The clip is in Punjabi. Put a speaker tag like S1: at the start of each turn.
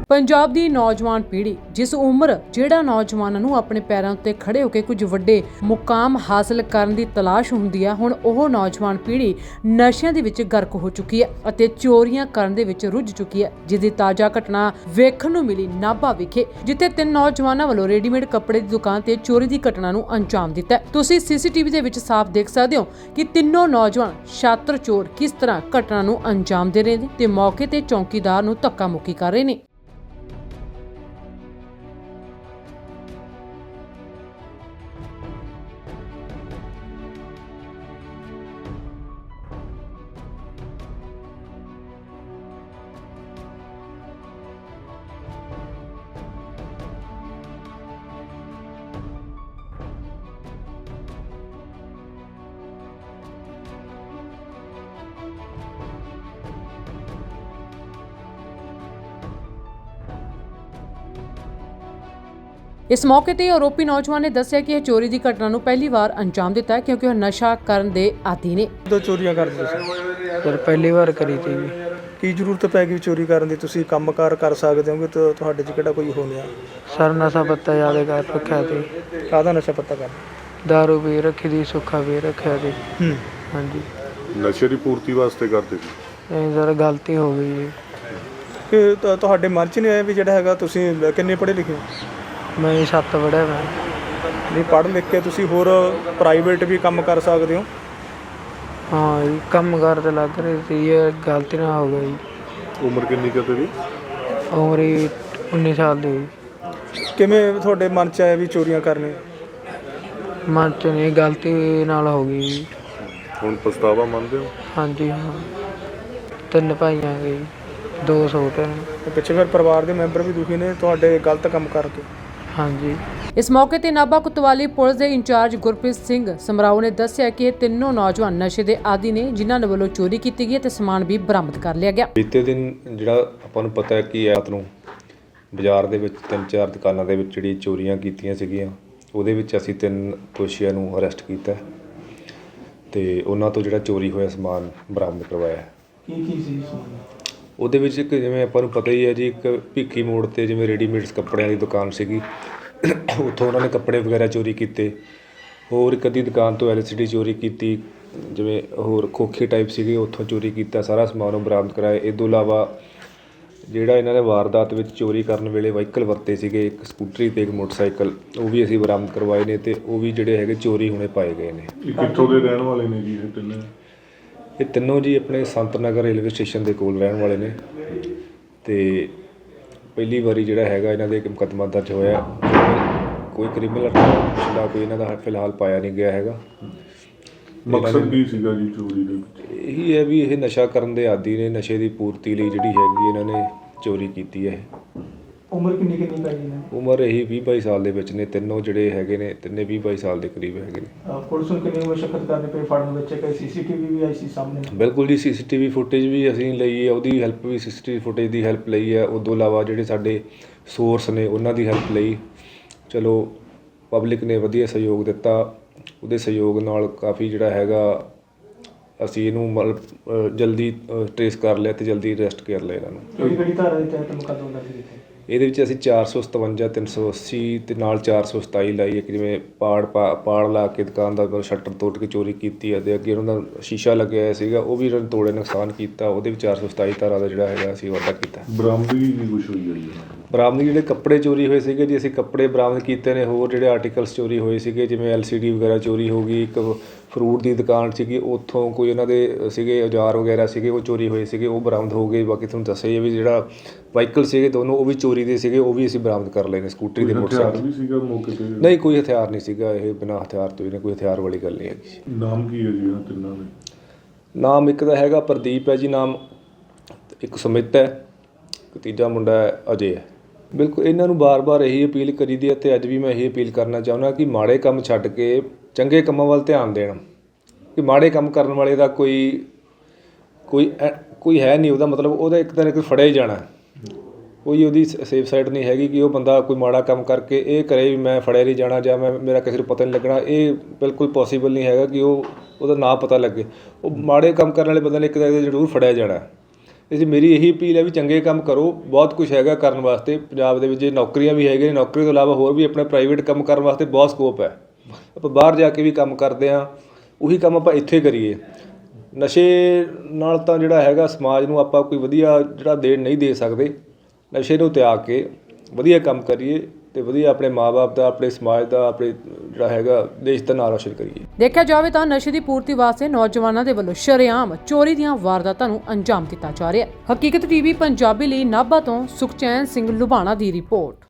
S1: ਪੰਜਾਬ ਦੀ ਨੌਜਵਾਨ ਪੀੜ੍ਹੀ ਜਿਸ ਉਮਰ ਜਿਹੜਾ ਨੌਜਵਾਨਾਂ ਨੂੰ ਆਪਣੇ ਪੈਰਾਂ ਉੱਤੇ ਖੜੇ ਹੋ ਕੇ ਕੁਝ ਵੱਡੇ ਮੁਕਾਮ ਹਾਸਲ ਕਰਨ ਦੀ ਤਲਾਸ਼ ਹੁੰਦੀ ਹੈ, ਹੁਣ ਉਹ ਨੌਜਵਾਨ ਪੀੜ੍ਹੀ ਨਸ਼ਿਆਂ ਦੇ ਵਿੱਚ ਗਰਕ ਹੋ ਚੁੱਕੀ ਹੈ ਅਤੇ ਚੋਰੀਆਂ ਕਰਨ ਦੇ ਵਿੱਚ ਰੁੱਝ ਚੁੱਕੀ ਹੈ, ਜਿਸ ਦੀ ਤਾਜ਼ਾ ਘਟਨਾ ਵੇਖਣ ਨੂੰ ਮਿਲੀ ਨਾਭਾ ਵਿਖੇ, ਜਿੱਥੇ 3 ਨੌਜਵਾਨਾਂ ਵੱਲੋਂ ਰੈਡੀਮੇਡ ਕੱਪੜੇ ਦੀ ਦੁਕਾਨ ਤੇ ਚੋਰੀ ਦੀ ਘਟਨਾ ਨੂੰ ਅੰਜਾਮ ਦਿੱਤਾ। ਤੁਸੀਂ ਸੀਸੀਟੀਵੀ ਦੇ ਵਿੱਚ ਸਾਫ਼ ਦੇਖ ਸਕਦੇ ਹੋ ਕਿ ਤਿੰਨੋਂ ਨੌਜਵਾਨ ਛਾਤਰ ਚੋਰ ਕਿਸ ਤਰ੍ਹਾਂ ਘਟਨਾ ਨੂੰ ਅੰਜਾਮ ਦੇ ਰਹੇ ਨੇ ਤੇ ਮੌਕੇ ਤੇ ਚੌਕੀਦਾਰ ਨੂੰ ਧੱਕਾ ਮੁੱਕੀ ਕਰ ਰਹੇ ਨੇ। ਇਸ ਮੌਕੇ ਤੇ ਆਰੋਪੀ ਨੌਜਵਾਨ ਨੇ ਦੱਸਿਆ ਕਿ ਇਹ ਚੋਰੀ ਦੀ ਘਟਨਾ ਨੂੰ ਪਹਿਲੀ ਵਾਰ ਅੰਜਾਮ ਦਿੱਤਾ ਹੈ ਕਿਉਂਕਿ ਉਹ ਨਸ਼ਾ ਕਰਨ ਦੇ ਆਦੀ ਨੇ।
S2: ਦੋ ਚੋਰੀਆਂ ਕਰਦੇ ਸੀ
S3: ਸਰ ਪਹਿਲੀ ਵਾਰ ਕਰੀ ਤੀ ਜੀ।
S2: ਕੀ ਜ਼ਰੂਰਤ ਪੈ ਗਈ ਚੋਰੀ ਕਰਨ ਦੀ? ਤੁਸੀਂ ਕੰਮਕਾਰ ਕਰ ਸਕਦੇ ਹੋਗੇ ਤਾਂ ਤੁਹਾਡੇ 'ਚ ਕਿਹੜਾ ਕੋਈ ਹੋ ਗਿਆ?
S3: ਸਰ ਨਸ਼ਾ ਪੱਤਾ ਜ਼ਿਆਦਾ ਕਰ ਰੱਖਿਆ ਸੀ।
S2: ਕਾਹਦਾ ਨਸ਼ਾ ਪੱਤਾ ਕਰ?
S3: ਦਾਰੂ ਵੀ ਰੱਖੀ ਦੀ, ਸੁੱਖਾ ਵੀ ਰੱਖਿਆ ਸੀ। ਹਾਂਜੀ
S4: ਨਸ਼ੇ ਦੀ ਪੂਰਤੀ ਵਾਸਤੇ ਕਰਦੇ ਸੀ।
S3: ਇਹ ਸਰ ਗਲਤੀ ਹੋ ਗਈ ਜੀ।
S2: ਕਿ ਤੁਹਾਡੇ ਮਨ 'ਚ ਨਹੀਂ ਆਇਆ ਵੀ ਜਿਹੜਾ ਹੈਗਾ ਤੁਸੀਂ ਕਿੰਨੇ ਪੜ੍ਹੇ ਲਿਖੇ ਹੋ?
S3: ਮੈਂ 7 ਪੜ੍ਹਿਆ ਮੈਂ।
S2: ਨਹੀਂ, ਪੜ੍ਹ ਲਿਖ ਕੇ ਤੁਸੀਂ ਹੋਰ ਪ੍ਰਾਈਵੇਟ ਵੀ ਕੰਮ ਕਰ ਸਕਦੇ ਹੋ।
S3: ਹਾਂ ਜੀ ਕੰਮ ਕਾਰ ਤੇ ਲੱਗ ਰਹੀ ਸੀ, ਇਹ ਗਲਤੀ ਨਾਲ ਹੋ ਗਈ।
S4: ਉਮਰ ਕਿੰਨੀ ਕੁ ਤੇਰੀ?
S3: ਉਮਰ 19 ਸਾਲ ਦੀ ਹੋਈ।
S2: ਕਿਵੇਂ ਤੁਹਾਡੇ ਮਨ 'ਚ ਆਇਆ ਵੀ ਚੋਰੀਆਂ ਕਰਨੀਆਂ?
S3: ਮਨ 'ਚ ਨਹੀਂ, ਗਲਤੀ ਨਾਲ ਹੋ ਗਈ ਜੀ।
S4: ਹੁਣ ਪਛਤਾਵਾ ਮੰਨਦੇ ਹੋ?
S3: ਹਾਂਜੀ ਹਾਂ। 3 ਭਾਈ ਆ ਗਏ, 2 ਛੋਟੇ ਨੇ।
S2: ਤੇ ਪਿੱਛੇ ਫਿਰ ਪਰਿਵਾਰ ਦੇ ਮੈਂਬਰ ਵੀ ਦੁਖੀ ਨੇ ਤੁਹਾਡੇ ਗਲਤ ਕੰਮ ਕਰਕੇ।
S3: ਹਾਂਜੀ
S1: ਇਸ ਮੌਕੇ ਤੇ ਨਾਭਾ ਕੋਤਵਾਲੀ ਪੁਲਿਸ ਦੇ ਇੰਚਾਰਜ ਗੁਰਪ੍ਰੀਤ ਸਿੰਘ ਸਮਰਾਓ ਨੇ ਦੱਸਿਆ ਕਿ ਇਹ ਤਿੰਨੋਂ ਨੌਜਵਾਨ ਨਸ਼ੇ ਦੇ ਆਦੀ ਨੇ, ਜਿਨ੍ਹਾਂ ਦੇ ਵੱਲੋਂ ਚੋਰੀ ਕੀਤੀ ਗਈ ਤੇ ਸਮਾਨ ਵੀ ਬਰਾਮਦ ਕਰ ਲਿਆ ਗਿਆ।
S5: ਬੀਤੇ ਦਿਨ ਜਿਹੜਾ ਆਪਾਂ ਨੂੰ ਪਤਾ ਹੈ ਕਿ ਰਾਤ ਨੂੰ ਬਾਜ਼ਾਰ ਦੇ ਵਿੱਚ 3-4 ਦੁਕਾਨਾਂ ਦੇ ਵਿੱਚ ਜਿਹੜੀ ਚੋਰੀਆਂ ਕੀਤੀਆਂ ਸੀਗੀਆਂ, ਉਹਦੇ ਵਿੱਚ ਅਸੀਂ 3 ਦੋਸ਼ੀਆਂ ਨੂੰ ਅਰੈਸਟ ਕੀਤਾ ਤੇ ਉਹਨਾਂ ਤੋਂ ਜਿਹੜਾ ਚੋਰੀ ਹੋਇਆ ਸਮਾਨ ਬਰਾਮਦ ਕਰਵਾਇਆ।
S2: ਕੀ ਸੀ
S5: ਉਹਦੇ ਵਿੱਚ ਇੱਕ ਜਿਵੇਂ ਆਪਾਂ ਨੂੰ ਪਤਾ ਹੀ ਹੈ ਜੀ, ਇੱਕ ਭਿੱਖੀ ਮੋੜ ਤੇ ਜਿਵੇਂ ਰੈਡੀਮੇਡਸ ਕੱਪੜਿਆਂ ਦੀ ਦੁਕਾਨ ਸੀਗੀ, ਉੱਥੋਂ ਉਹਨਾਂ ਨੇ ਕੱਪੜੇ ਵਗੈਰਾ ਚੋਰੀ ਕੀਤੇ। ਹੋਰ ਇੱਕ ਅੱਧੀ ਦੁਕਾਨ ਤੋਂ LCD ਚੋਰੀ ਕੀਤੀ, ਜਿਵੇਂ ਹੋਰ ਖੋਖੇ ਟਾਈਪ ਸੀਗੇ, ਉੱਥੋਂ ਚੋਰੀ ਕੀਤਾ। ਸਾਰਾ ਸਮਾਨ ਉਹ ਬਰਾਮਦ ਕਰਾਇਆ। ਇਹ ਤੋਂ ਇਲਾਵਾ ਜਿਹੜਾ ਇਹਨਾਂ ਨੇ ਵਾਰਦਾਤ ਵਿੱਚ ਚੋਰੀ ਕਰਨ ਵੇਲੇ ਵਹੀਕਲ ਵਰਤੇ ਸੀਗੇ, ਇੱਕ ਸਕੂਟਰੀ ਤੇ ਇੱਕ ਮੋਟਰਸਾਈਕਲ, ਉਹ ਵੀ ਅਸੀਂ ਬਰਾਮਦ ਕਰਵਾਏ ਨੇ ਤੇ ਉਹ ਵੀ ਜਿਹੜੇ ਹੈਗੇ ਚੋਰੀ ਹੋਣੇ ਪਾਏ ਗਏ ਨੇ।
S4: ਇਹ ਕਿੱਥੋਂ ਦੇ ਰਹਿਣ ਵਾਲੇ ਨੇ ਜੀ ਇਹ ਤਿੰਨੇ?
S5: ਇਹ ਤਿੰਨੋਂ ਜੀ ਆਪਣੇ ਸੰਤ ਨਗਰ ਰੇਲਵੇ ਸਟੇਸ਼ਨ ਦੇ ਕੋਲ ਰਹਿਣ ਵਾਲੇ ਨੇ ਤੇ ਪਹਿਲੀ ਵਾਰੀ ਜਿਹੜਾ ਹੈਗਾ ਇਹਨਾਂ ਦੇ ਇੱਕ ਮੁਕੱਦਮਾ ਦਰਜ ਹੋਇਆ। ਕੋਈ ਕ੍ਰਿਮੀਨਲ ਪਿਛਲਾ ਕੋਈ ਇਹਨਾਂ ਦਾ ਫਿਲਹਾਲ ਪਾਇਆ ਨਹੀਂ ਗਿਆ ਹੈਗਾ।
S4: ਮਕਸਦ ਕੀ ਸੀਗਾ ਜੀ ਚੋਰੀ ਦੇ ਵਿੱਚ?
S5: ਇਹੀ ਹੈ ਵੀ ਇਹ ਨਸ਼ਾ ਕਰਨ ਦੇ ਆਦੀ ਨੇ, ਨਸ਼ੇ ਦੀ ਪੂਰਤੀ ਲਈ ਜਿਹੜੀ ਹੈਗੀ ਇਹਨਾਂ ਨੇ ਚੋਰੀ ਕੀਤੀ ਹੈ।
S2: ਉਮਰ ਕਿੰਨੀ ਪਈ ਨੇ?
S5: ਉਮਰ ਇਹੀ 20-22 ਸਾਲ ਦੇ ਵਿੱਚ ਨੇ। ਤਿੰਨੋਂ ਜਿਹੜੇ ਹੈਗੇ ਨੇ, ਤਿੰਨੇ 20-22 ਸਾਲ ਦੇ ਕਰੀਬ ਹੈਗੇ ਨੇ।
S2: ਪੁਲਿਸ ਨੂੰ ਕਿੰਨੀ ਮੁਸ਼ਕਲ ਕਰਨੀ ਪਈ ਫੜਨ ਵਿੱਚ? ਕਿ CCTV ਵੀ ਆਈ ਸੀ ਸਾਹਮਣੇ?
S5: ਬਿਲਕੁਲ ਜੀ, CCTV ਫੁਟੇਜ ਵੀ ਅਸੀਂ ਲਈ ਹੈ, ਉਹਦੀ ਹੈਲਪ ਵੀ CCTV ਫੁਟੇਜ ਦੀ ਹੈਲਪ ਲਈ ਹੈ। ਉਸ ਤੋਂ ਇਲਾਵਾ ਜਿਹੜੇ ਸਾਡੇ ਸੋਰਸ ਨੇ ਉਹਨਾਂ ਦੀ ਹੈਲਪ ਲਈ। ਚਲੋ ਪਬਲਿਕ ਨੇ ਵਧੀਆ ਸਹਿਯੋਗ ਦਿੱਤਾ, ਉਹਦੇ ਸਹਿਯੋਗ ਨਾਲ ਕਾਫੀ ਜਿਹੜਾ ਹੈਗਾ ਅਸੀਂ ਇਹਨੂੰ ਮਤਲਬ ਜਲਦੀ ਟਰੇਸ ਕਰ ਲਿਆ ਤੇ ਜਲਦੀ ਅਰੈਸਟ ਕਰ ਲਿਆ ਇਹਨਾਂ ਨੂੰ।
S2: ਕਿਹੜੀ ਧਾਰਾ ਦੇ ਤਹਿਤ ਮੁਕੱਦਮਾ ਦਰਜ ਕੀਤਾ?
S5: ਇਹਦੇ ਵਿੱਚ ਅਸੀਂ 457, 380 ਤੇ ਨਾਲ 427 ਲਾਈ। ਇੱਕ ਜਿਵੇਂ ਪਾੜ ਲਾ ਕੇ ਦੁਕਾਨ ਦਾ ਸ਼ਟਰ ਤੋੜ ਕੇ ਚੋਰੀ ਕੀਤੀ ਹੈ ਤੇ ਅੱਗੇ ਉਹਨਾਂ ਦਾ ਸ਼ੀਸ਼ਾ ਲੱਗਿਆ ਹੋਇਆ ਸੀਗਾ, ਉਹ ਵੀ ਇਹਨਾਂ ਨੇ ਤੋੜੇ, ਨੁਕਸਾਨ ਕੀਤਾ। ਉਹਦੇ ਵਿੱਚ 427 ਧਾਰਾ ਦਾ ਜਿਹੜਾ ਹੈਗਾ ਅਸੀਂ ਵਾਧਾ ਕੀਤਾ।
S4: ਬਰਾਮਦਗੀ ਕੀ ਕੁਛ ਹੋਈ ਹੈ ਜੀ?
S5: ਬਰਾਮਦਗੀ ਜਿਹੜੇ ਕੱਪੜੇ ਚੋਰੀ ਹੋਏ ਸੀਗੇ ਜੀ, ਅਸੀਂ ਕੱਪੜੇ ਬਰਾਮਦ ਕੀਤੇ ਨੇ। ਹੋਰ ਜਿਹੜੇ ਆਰਟੀਕਲਸ ਚੋਰੀ ਹੋਏ ਸੀਗੇ, ਜਿਵੇਂ LCD ਵਗੈਰਾ ਚੋਰੀ ਹੋ ਗਈ। ਇੱਕ ਫਰੂਟ ਦੀ ਦੁਕਾਨ ਸੀਗੀ, ਉੱਥੋਂ ਕੋਈ ਉਹਨਾਂ ਦੇ ਸੀਗੇ ਔਜ਼ਾਰ ਵਗੈਰਾ ਸੀਗੇ, ਉਹ ਚੋਰੀ ਹੋਏ ਸੀਗੇ, ਉਹ ਬਰਾਮਦ ਹੋ ਗਏ। ਬਾਕੀ ਤੁਹਾਨੂੰ ਦੱਸਿਆ ਵੀ ਜਿਹੜਾ ਵਾਹੀਕਲ ਸੀਗੇ ਦੋਨੋਂ, ਉਹ ਵੀ ਚੋਰੀ ਦੇ ਸੀਗੇ, ਉਹ ਵੀ ਅਸੀਂ ਬਰਾਮਦ ਕਰ ਲਏ ਨੇ। ਸਕੂਟਰੀ ਦੇ ਮੋਟਰਸਾਈਕਲ
S4: ਵੀ ਸੀਗਾ ਮੌਕੇ ਤੇ?
S5: ਨਹੀਂ, ਕੋਈ ਹਥਿਆਰ ਨਹੀਂ ਸੀਗਾ। ਇਹ ਬਿਨਾਂ ਹਥਿਆਰ ਤੋਂ ਇਹਨੇ, ਕੋਈ ਹਥਿਆਰ ਵਾਲੀ ਗੱਲ ਨਹੀਂ ਹੈਗੀ।
S4: ਨਾਮ ਕੀ ਹੈ ਜੀ ਇਹਨਾਂ ਤਿੰਨਾਂ ਦੇ?
S5: ਨਾਮ ਇੱਕ ਦਾ ਹੈਗਾ ਪ੍ਰਦੀਪ ਹੈ ਜੀ ਨਾਮ, ਇੱਕ ਸੁਮਿਤ ਹੈ, ਇੱਕ ਤੀਜਾ ਮੁੰਡਾ ਹੈ ਅਜੇ ਹੈ। ਬਿਲਕੁਲ ਇਹਨਾਂ ਨੂੰ ਬਾਰ-ਬਾਰ ਇਹੀ ਅਪੀਲ ਕਰੀਦੀ ਹੈ ਅਤੇ ਅੱਜ ਵੀ ਮੈਂ ਇਹੀ ਅਪੀਲ ਕਰਨਾ ਚਾਹੁੰਦਾ ਕਿ ਮਾੜੇ ਕੰਮ ਛੱਡ ਕੇ ਚੰਗੇ ਕੰਮਾਂ ਵੱਲ ਧਿਆਨ ਦੇਣ। ਕਿ ਮਾੜੇ ਕੰਮ ਕਰਨ ਵਾਲੇ ਦਾ ਕੋਈ ਹੈ ਨਹੀਂ, ਉਹਦਾ ਮਤਲਬ ਉਹਦਾ ਇੱਕ ਦਿਨ ਫੜਿਆ ਹੀ ਜਾਣਾ। ਕੋਈ ਉਹਦੀ ਸੇਫ ਸਾਈਡ ਨਹੀਂ ਹੈਗੀ ਕਿ ਉਹ ਬੰਦਾ ਕੋਈ ਮਾੜਾ ਕੰਮ ਕਰਕੇ ਇਹ ਕਰੇ ਵੀ ਮੈਂ ਫੜਿਆ ਨਹੀਂ ਜਾਣਾ ਜਾਂ ਮੇਰਾ ਕਿਸੇ ਨੂੰ ਪਤਾ ਨਹੀਂ ਲੱਗਣਾ। ਇਹ ਬਿਲਕੁਲ ਪੋਸੀਬਲ ਨਹੀਂ ਹੈਗਾ ਕਿ ਉਹਦਾ ਨਾਂ ਪਤਾ ਲੱਗੇ। ਉਹ ਮਾੜੇ ਕੰਮ ਕਰਨ ਵਾਲੇ ਬੰਦੇ ਨੇ ਇੱਕ ਦਿਨ ਜ਼ਰੂਰ ਫੜਿਆ ਜਾਣਾ। ਇਸ ਲਈ ਮੇਰੀ ਇਹੀ ਅਪੀਲ ਹੈ ਵੀ ਚੰਗੇ ਕੰਮ ਕਰੋ, ਬਹੁਤ ਕੁਝ ਹੈਗਾ ਕਰਨ ਵਾਸਤੇ ਪੰਜਾਬ ਦੇ ਵਿੱਚ। ਨੌਕਰੀਆਂ ਵੀ ਹੈਗੀਆਂ, ਨੌਕਰੀ ਤੋਂ ਇਲਾਵਾ ਹੋਰ ਵੀ ਆਪਣਾ ਪ੍ਰਾਈਵੇਟ ਕੰਮ ਕਰਨ ਵਾਸਤੇ ਬਹੁਤ ਸਕੋਪ ਹੈ। ਆਪਾਂ ਬਾਹਰ ਜਾ ਕੇ ਵੀ ਕੰਮ ਕਰਦੇ ਹਾਂ, ਉਹੀ ਕੰਮ ਆਪਾਂ ਇੱਥੇ ਕਰੀਏ। ਨਸ਼ੇ ਨਾਲ ਤਾਂ ਜਿਹੜਾ ਹੈਗਾ ਸਮਾਜ ਨੂੰ ਆਪਾਂ ਕੋਈ ਵਧੀਆ ਜਿਹੜਾ ਨਹੀਂ ਦੇ ਸਕਦੇ। ਨਸ਼ੇ ਨੂੰ ਤਿਆਗ ਕੇ ਵਧੀਆ ਕੰਮ ਕਰੀਏ ਤੇ ਵਧੀਆ ਆਪਣੇ ਮਾਂ-ਬਾਪ ਦਾ, ਆਪਣੇ ਸਮਾਜ ਦਾ, ਆਪਣੇ ਜਿਹੜਾ ਹੈਗਾ ਦੇਸ਼ ਦਾ ਨਾਂ ਰੌਸ਼ਨ ਕਰੀਏ।
S1: ਦੇਖਿਆ ਜਾਵੇ ਤਾਂ ਨਸ਼ੇ ਦੀ ਪੂਰਤੀ ਵਾਸਤੇ ਨੌਜਵਾਨਾਂ ਦੇ ਵੱਲੋਂ ਸ਼ਰੇਆਮ ਚੋਰੀ ਦੀਆਂ ਵਾਰਦਾਤਾਂ ਨੂੰ ਅੰਜਾਮ ਦਿੱਤਾ ਜਾ ਰਿਹਾ ਹੈ। ਹਕੀਕਤ ਟੀਵੀ ਪੰਜਾਬੀ ਲਈ ਨਾਭਾ ਤੋਂ ਸੁਖਚੈਨ ਸਿੰਘ ਲੁਬਾਣਾ ਦੀ ਰਿਪੋਰਟ।